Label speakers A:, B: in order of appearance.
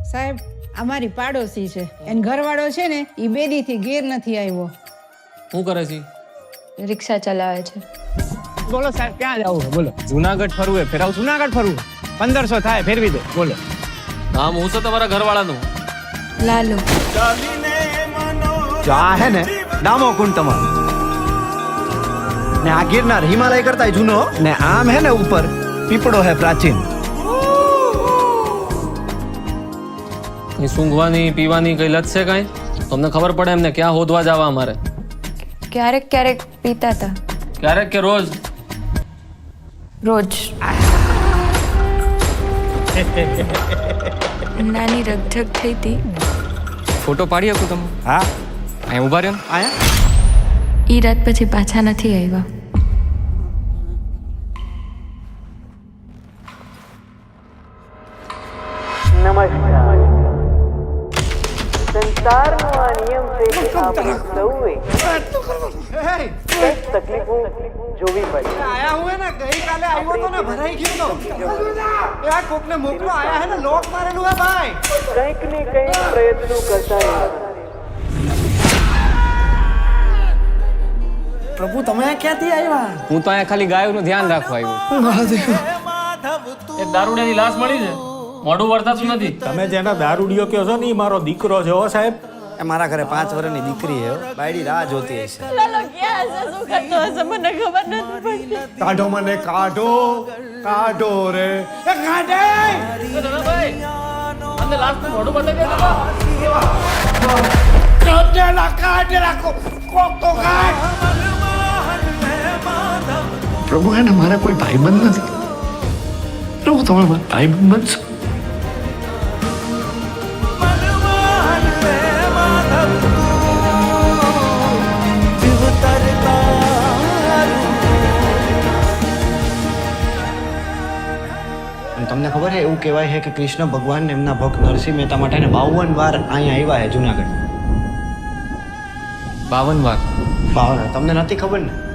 A: સાહેબ અમારી પાડોશી છે એન ઘરવાળો છે ને એ બેદીથી ઘેર નથી આવ્યો.
B: શું કરે છે?
C: રિક્ષા ચલાવે છે.
D: બોલો સાહેબ ક્યાં જવું છે બોલો.
B: જુનાગઢ ફરવું ફેરાવ.
D: જુનાગઢ ફરવું 1500 થાય ફેરવી દો બોલો.
B: નામ હું છે તમારા ઘરવાળાનું?
C: લાલુ.
E: જો આ હે ને ડામો કુંડ તમારો ને આ ગિરનાર હિમાલય કરતા જૂનો ને આમ હે ને ઉપર પીપળો હે પ્રાચીન.
B: કઈ સૂંઘવાની પીવાની કઈ લત છે કઈ? તમને ખબર પડે એમને ક્યાં હોદવા જવા અમારે?
C: ક્યારેક ક્યારેક પીતા હતા.
B: ક્યારેક કે રોજ?
C: રોજ. નાની રગઝગ થઈ હતી.
F: ફોટો પાડી શકું તમે?
E: હા
F: અહીં ઉભા રહ્યો ને.
E: આયા
C: ઈ રાત પછી પાછા નથી આવ્યા.
G: નમસ્કાર. સંસારનો આ નિયમ છે કે આપણે સૌએ કંઈક તકલીફો જોવી પડે.
E: આયા હું હે ને ગઈકાલે આવ્યો તો ને ભરાઈ ગયો તો એ આ કોકને મોકલો આયા હે ને લોક મારેલું હે ભાઈ.
G: કંઈક ને કંઈક પ્રયત્નો કરતા રહેવાના.
E: પ્રભુ તમે ક્યાંથી આવ્યા?
F: હું તો અહીંયા ખાલી ગાયોનું ધ્યાન રાખવા આવ્યો.
B: એક દારૂડિયાની લાશ મળી છે. મોઢું વર્તાતું નથી.
H: તમે જેના દારૂડિયો કહો છો ને એ મારો દીકરો છે હો સાહેબ.
E: એ મારા ઘરે 5 વર્ષની દીકરી હે બાયડી રાહ જોતી હશે. કાઢો મને કાઢો કાઢો રે એ કાઢે.
B: અંદર લાશનું મોઢું બતાવી દે.
E: કાઢેલા કોક તો કાઢ.
I: પ્રભુ એને મારા કોઈ ભાઈબંધ નથી. પ્રભુ તમે મારા ભાઈબંધ બનશો.
E: તમને ખબર છે એવું કહેવાય છે કે કૃષ્ણ ભગવાન એમના ભક્ત નરસિંહ મહેતા માટે 52 વાર અહીંયા આવ્યા છે જુનાગઢ.
F: 52 વાર?
E: 52 તમને નથી ખબર ને?